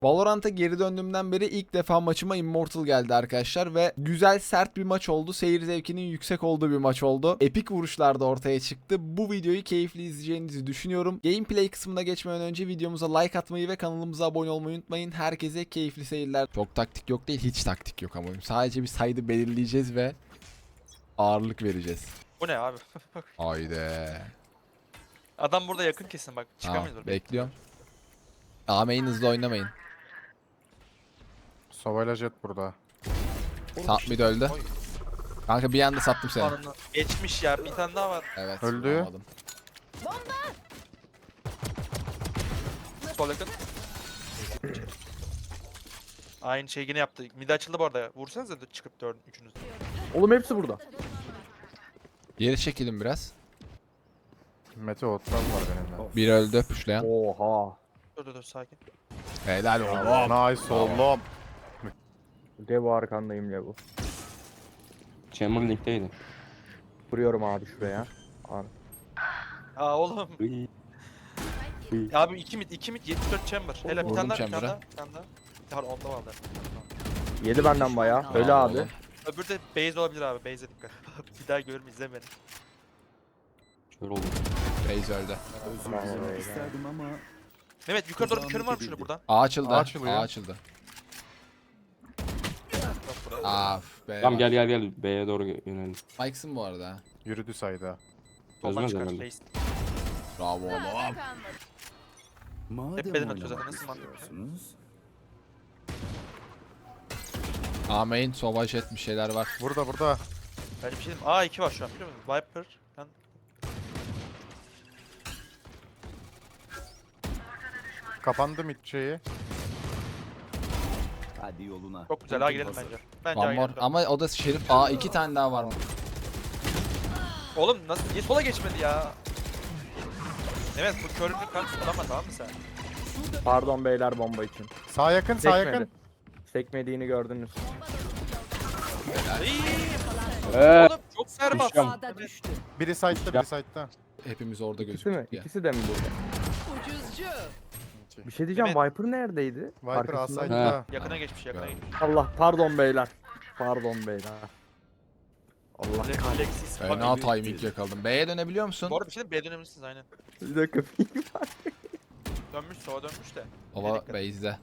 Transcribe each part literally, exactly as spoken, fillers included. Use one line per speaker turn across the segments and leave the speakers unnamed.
Valorant'a geri döndüğümden beri ilk defa maçıma Immortal geldi arkadaşlar ve güzel sert bir maç oldu. Seyir zevkinin yüksek olduğu bir maç oldu. Epik vuruşlar da ortaya çıktı. Bu videoyu keyifli izleyeceğinizi düşünüyorum. Gameplay kısmına geçmeden önce videomuza like atmayı ve kanalımıza abone olmayı unutmayın. Herkese keyifli seyirler. Çok taktik yok değil, hiç taktik yok ama. Sadece bir saydı belirleyeceğiz ve ağırlık vereceğiz.
Bu ne abi?
Haydi.
Adam burada yakın kesin bak.
Tamam,
Çıkamıyordur.
bekliyorum. Ameyin hızlı oynamayın.
Sovayla jet burada.
Top mid öldü.
Oy.
Kanka bir anda sattım seni.
Ananı. Geçmiş ya. Bir tane daha var.
Evet.
Öldü.
vuramadım.
Sol yakın. Aynı şey yine yaptı. Mid açıldı bu arada. Vursanıza da çıkıp dördün üçünüz.
Oğlum hepsi burada.
Geri çekilin biraz.
Mete otlar var benimle.
Bir öldü puşlayan.
Oha.
Dur dur dur sakin.
Helal oğlum.
Nice oğlum.
Levo arkandayım Levo.
Chamber Link'teydi.
Vuruyorum abi şuraya. Abi.
Aa oğlum.
Iy.
Abi iki mid iki mid yetmiş dört chamber. Hele bir
Vurdum
tane daha bir tane
chamber'a.
daha. Bir tane daha. Bir tane onda vardı.
Yedi benden bayağı. Öyle
Aa,
abi.
oğlum.
Öbürü de base olabilir abi. Base'e dikkat. Bir daha görme izle beni.
Kör oldu.
Raze öldü.
Bravo,
dilemek
bravo.
isterdim ama
Mehmet yukarı doğru bir körüm var mı şunu buradan?
A açıldı.
A açılıyor.
A açıldı.
Yok buraya.
Af be.
Tamam gel gel gel B'ye doğru yönelim.
Spikes'ın bu arada. ha.
Yürüdü sayda.
Soldan
Çözmez
çıkar.
herhalde.
Base.
Bravo oğlum.
madem
Hep beden atıyor
oynamak
zaten, nasıl mantıklı?
istiyorsunuz,
A main, Sova jet bir şeyler var.
Burada burada.
Ben bir şey diyeyim. Aa iki var şu an biliyor musun? Viper. Ben...
Kapandı mid şeyi.
hadi yoluna.
Çok güzel. Ha girelim bence. Bence ha
One more.
girelim.
Ama o da Şerif. A iki tane daha var mı?
Oğlum nasıl niye sola geçmedi ya? Evet bu körünü kanka kullanma tamam mı sen?
Pardon beyler bomba için.
Sağ yakın sağ
Sekmedi.
yakın.
Sekmediğini gördünüz.
İyi.
Eee.
Oğlum çok serbat.
Düşeceğim.
Evet.
Biri side'da biri side'da.
Hepimiz orada
İkisi mi?
gözüktük ya.
İkisi de mi burada? Bir şey diyeceğim.
Evet.
Viper neredeydi?
Viper
Arkasında.
A-side'da.
Yakına geçmiş yakına geçmiş.
Allah pardon beyler. Pardon beyler. Allah
Direkt
kahretsin.
Alexis.
Fena
Bak,
timing yakaladım. B'ye dönebiliyor musun?
Bu arada bir şey diyeyim, B'ye dönebilirsiniz aynen.
Bir dakika.
Dönmüş sola dönmüş de.
Ova
Dikkat.
base'de.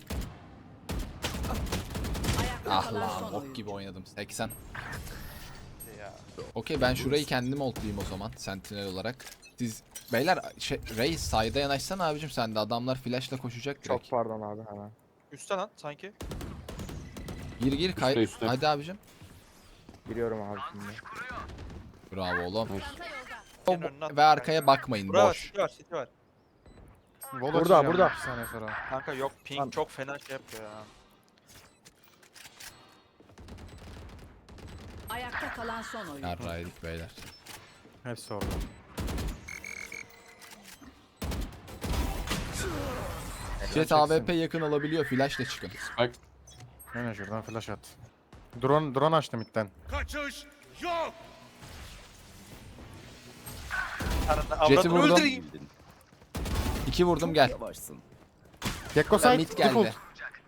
Ah lan bok gibi oynadım. seksen.
Ya.
Okey ben şurayı kendim ultlayayım o zaman sentinel olarak. Siz beyler şey, Reis sayda yanaşsana abicim sen de adamlar flashla koşacak direkt.
Çok pardon abi hemen.
Üstte lan sanki.
Gir gir kay.
Üstte, üstte.
Hadi abicim.
Giriyorum abi şimdi.
Bravo oğlum.
Nice.
O-
Senin önüne
ve
at.
arkaya bakmayın
Bura var,
boş.
city var, city var.
Wall
Burada,
açacağım
burada.
iki saniye sonra.
Kanka yok ping
Lan.
çok fena şey yapıyor ya.
Ayakta kalan son oyun.
Yarraydık beyler.
Hepsi orada.
Jet A W P yakın olabiliyor flashla çıkın.
Bak
Hemen şuradan flash at. Drone drone açtım midden.
Arada
Jet'i
avradını
vurdum.
öldüreyim.
İki vurdum gel.
Yavaşsın.
Gekko
Ben
side.
mid
Default.
geldi.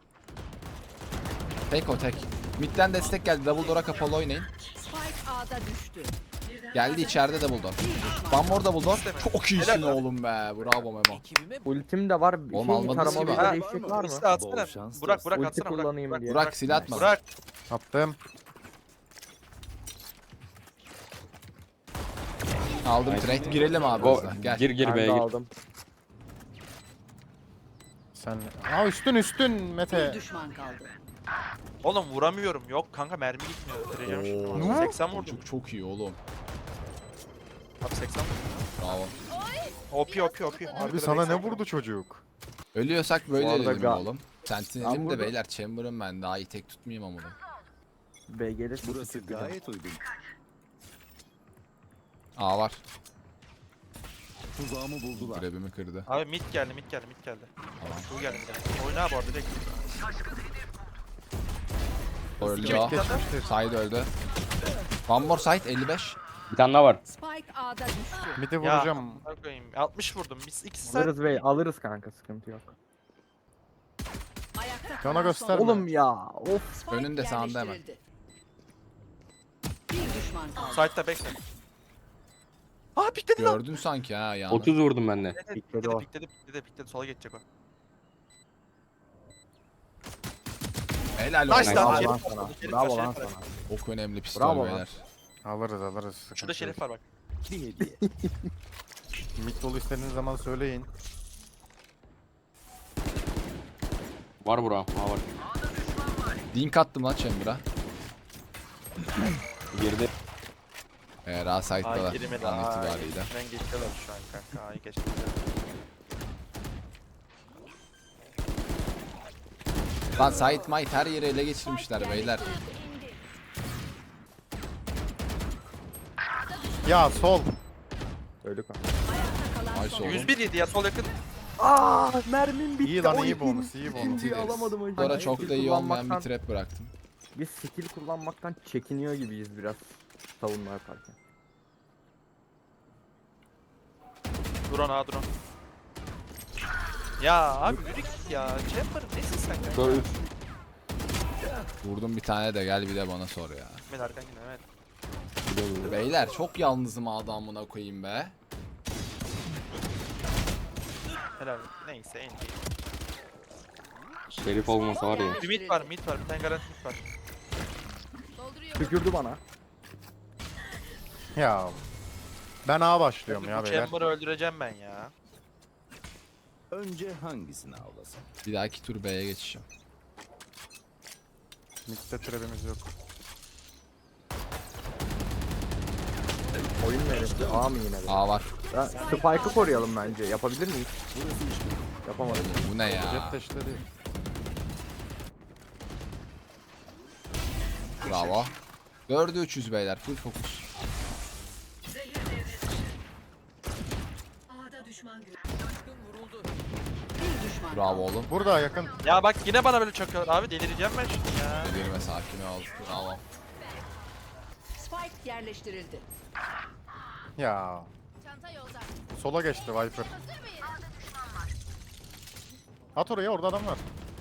Tek o tek. Mid'den destek geldi. Double door'a kapalı oynayın.
Spike A'da düştü.
Geldi içeride double door. One more double door. Çok iyisin
Helal lan.
oğlum be. Bravo Memo.
Ultim de var. Bir
Oğlum
şey
almadınız
taramalı
ki
bir
be.
değişecek var mı?
İşte atsana.
Bol şans
Burak Burak
Ulti
atsana Burak.
kullanayım
Burak.
diye.
Burak silah atma.
Burak.
Attım.
Aldım trade. Girelim abi
go
hızla. Gel.
gir gir
Ben
B'ye
de
gir.
aldım.
Sen. Aa üstün üstün
Bir
Mete.
düşman kaldı.
Oğlum vuramıyorum. Yok kanka mermi gitmiyor. Vereceğim
Oo.
şimdi. seksen vurdum.
Çok çok iyi oğlum.
Abi seksen vurdum.
Bravo.
O P O P O P.
Abi sana ne vurdu çocuk?
Ölüyorsak böyle
Bu arada
ölelim
ga-
oğlum.
Ben
Sentinelim de
burada-
beyler Chamber'ım ben daha iyi tek tutmayayım ama.
B gelirse
Burası
sıkıntı yok.
gayet uygun.
A var.
Tuzağımı buldular.
Grabimi kırdı.
Abi mid geldi mid geldi mid geldi.
Tamam.
Bu geldi bir de. Oyna bu arada direkt.
Öldü
Kim
o.
Geçmiştir.
Side öldü. One more side elli beş.
Bir tane daha var.
Spike A'da düştü.
Midi
Ya
vuracağım.
amına koyayım. altmış vurdum. Biz ikisi sen.
Alırız bey alırız kanka sıkıntı yok.
Ayakta Ayakta
Bana
kalan
gösterme.
son
Oğlum ya. Of.
Spike
Önünde, sağında hemen.
yerleştirildi. Bir düşman kaldı.
Side'da backside. Aa pikledi lan.
Gördün sanki ha yani.
otuz vurdum ben de.
Evet, evet,
Pikledi
pikledi
o.
pikledi pikledi pikledi sola geçecek o.
Helal
Nice
olsun.
lan.
Bravo
Şerif
lan
var,
sana.
şerif
Bravo
var,
lan
şerif var.
sana.
Çok önemli pistol
Bravo lan.
beyler.
Alırız alırız. sıkıntı
Şurada
yok.
şerif var bak.
Bir hediye.
Mid dolu istediğiniz zaman söyleyin.
Var bura. Ha var.
Dink attım lan Chamber'a.
Girdi.
Eğer A
Ay
site'dalar
girmedi.
an
Ay
itibariyle.
ben geçiyorlar şu an kanka. Ay geçti.
Lan site might her yeri ele geçirmişler beyler.
Ya sol.
Öldük mü?
Ayakta kalan
Nice
son
oğlum.
yüz bir yedi ya sol yakın.
Aa mermim bitti.
İyi lan
O
iyi
ikinci-
bonus iyi bonus.
ikinciyi alamadım hocam.
Sonra çok da iyi olmayan bir
Kullanmaktan-
trap bıraktım.
Biz skill kullanmaktan çekiniyor gibiyiz biraz savunma yaparken.
Drone ha drone. Ya abi yürü git ya. Chamber nesin sen kanka?
Kör üç.
Vurdum bir tane de gel bir de bana sor ya.
Mehmet arkan yine evet.
Gidiyor, gidiyor.
Beyler çok yalnızım adamına koyayım be.
Helal. Neyse en iyi.
Şerif olmasa var ya.
Bir mid var mid var. Bir tane garanti mid var.
Tükürdü bana.
Ya. Ben A başlıyorum ya
Bu
beyler.
Chamber'ı öldüreceğim ben ya.
Önce hangisini avlasın?
Bir dahaki tur B'ye geçeceğim.
Mid'de trap'imiz yok.
Oyun neresi? A mı yine de?
A var.
Ya, Spike'ı koruyalım bence. Yapabilir miyiz? Yapamadım.
Bu ne ya?
Jet deşleri.
Bravo. dörde üç yüz beyler full fokus.
bir düşman
Bravo
kaldı.
oğlum.
Burada yakın.
Ya bak yine bana böyle çakıyor. Abi delireceğim ben şimdi ya.
Delirme sakin ol. Bravo.
Spike yerleştirildi.
Ya. Sola geçti Viper. At oraya orada adam var.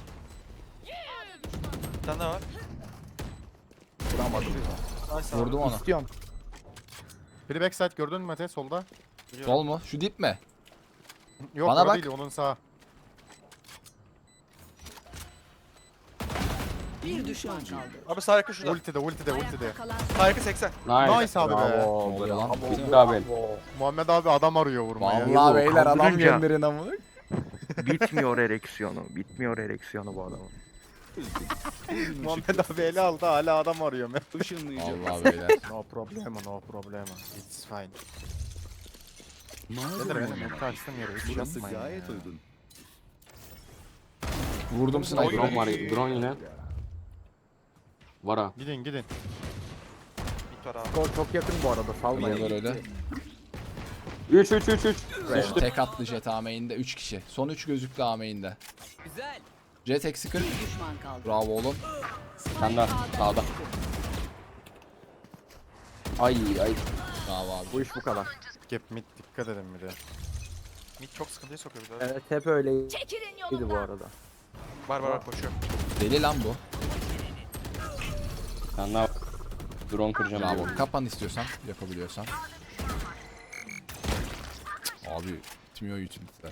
Bir tane daha var.
Vuramadım.
Nice abi.
Vurdum onu.
İstiyorum.
Biri backside gördün mü Mete solda?
Biliyorum.
Sol mu? Şu dip mi?
Yok
Bana
o
bak.
değil onun sağ.
Bir düşman kaldı.
Abi sağ yakın şurada.
Ultide ultide ultide.
Ayakta kalan
Sağ yakın seksen.
Nice.
Nice abi be.
Bravo.
Ne oluyor lan?
Bravo.
Bitti abi.
Muhammed abi adam arıyor vurmaya.
Vallahi beyler adam
kaldırınca-
gönderin amına.
Bitmiyor ereksiyonu. Bitmiyor ereksiyonu bu adamın.
Muhammed abi ele aldı hala adam arıyor.
Işınlayacağım.
Vallahi beyler.
No problema no problema. It's fine.
Mağdur
Nedir benim
olmamak.
ulti açtım yere hiç
Burası
yapmayın
gayet
ya.
uygun.
Vurdum
Drone
sniper'ı.
var. Drone yine. Var ha.
Gidin gidin.
Mid var abi.
Skor çok yakın bu arada. Salmayın.
Oynuyorlar öyle.
üç üç üç üç.
Tek attı Jet A main'de üç kişi. Son üç gözüktü A main'de.
güzel.
Jet eksi kırk.
Bir düşman kaldı.
Bravo oğlum.
Sen de sağda. Ay ay.
Bravo abi.
Bu iş bu kadar.
Gap mid dikkat edin bir de.
Mid çok sıkıntıya sokuyor bir de.
Evet hep öyleydi
Çekilin
bu arada.
Var var var koşuyor.
Deli lan bu.
Sen daha drone kıracağım.
Bravo.
diyorum.
Kapan istiyorsan. Yapabiliyorsan. Abi bitmiyor utility'ler.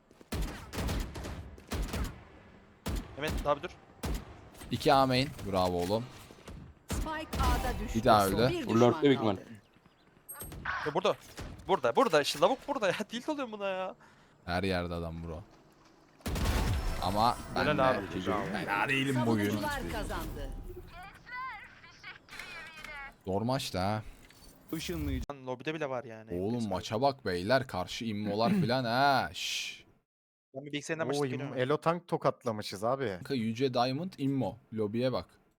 Mehmet abi dur.
iki A main. Bravo oğlum.
Spike A'da düştü.
Bir daha öldü.
Bir
Bu
düşman
lurk'te büyük
kaldı.
ihtimal.
Ya burada. Burada burada işte lavuk burada ya. Tilt oluyorum buna ya.
Her yerde adam bro. Ama ben
Helal
de
abi.
ben değilim bugün.
Savunucular kazandı.
Zor maçtı ha.
Işınlayacağım.
Lan lobide bile var yani.
Oğlum maça bak beyler. Karşı immolar filan ha. Şşş.
Ben bir bilgisayarından başlayıp
Oy
geliyorum.
Elo tank tokatlamışız abi.
Kanka Yüce Diamond immo. Lobiye bak.